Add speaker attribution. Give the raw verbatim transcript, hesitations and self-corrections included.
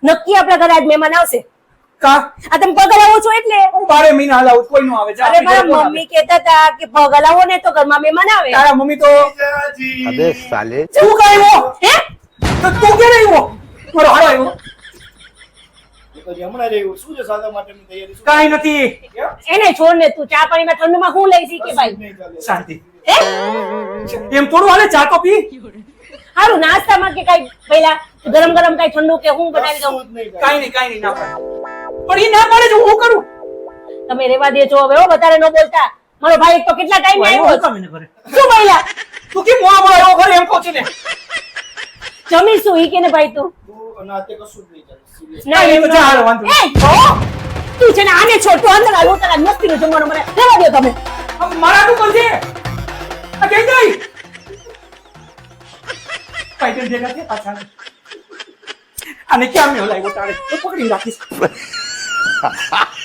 Speaker 1: નક્કી આપણા ઘરે આજ મહેમાન આવશે.
Speaker 2: કા
Speaker 1: આ તમે પગ હલાવો છો એટલે
Speaker 2: હું બારે મહિના હલાવું કોઈ નો આવે.
Speaker 1: અરે મારા મમ્મી કહેતા હતા કે પગ હલાવો ને તો ઘરમાં મહેમાન આવે.
Speaker 2: તારા મમ્મી તો
Speaker 3: अबे साले
Speaker 2: તું કઈ આવ્યો
Speaker 1: હે
Speaker 2: તો તું ક્યારે આવ્યો મારો હારો આવ્યો
Speaker 4: હમણાં રહ્યું શું છે સાદા માટેની તૈયારી શું
Speaker 2: કાઈ નથી
Speaker 1: એને છોડ ને તું ચા પાણીમાં ઠંડુમાં હું લઈ શીખે ભાઈ.
Speaker 4: નહીં ચાલે
Speaker 2: શાંતિ
Speaker 1: હે
Speaker 2: એમ થોડું હાલે ચા તો પી
Speaker 1: હારું નાસ્તામાં કે કઈ પહેલા ગરમ ગરમ કઈ ઠંડુ કે હું બનાવી દઉં.
Speaker 4: કશું જ નહીં ચાલે.
Speaker 2: કાઈ નહીં કાઈ નહીં ના પાડે. પણ ઈ ના પાડે છે હું કરું
Speaker 1: તમે રેવા દેજો હવે હો વધારે ન બોલતા. મારો ભાઈ એક તો કેટલા ટાઈમ આવ્યો
Speaker 2: હું કામ એને કરે
Speaker 1: શું બોલ્યા
Speaker 2: તું કેમ મોવા મોવા આવ્યો ઘરે એમ કહું છું ને
Speaker 1: જમીશું ઈ કે ને ભાઈ તું
Speaker 4: તું અને આતે કશું જ નહીં ચાલે serious.
Speaker 1: ના
Speaker 2: કાંઈ નહીં, તો જા હાલો, વાંધો
Speaker 1: એ, હો! તું છે ને આને છોડ તું અંદર આવો તારા મસ્તીનું જમવાનું મને રહેવા દો તમે.
Speaker 2: હવે મારા તું કોણ છે આ કઈ જાય પાઇટન ભેગા છે પાછા આને ક્યાં મેં હલાવ્યો તારે તો પકડી રાખીશ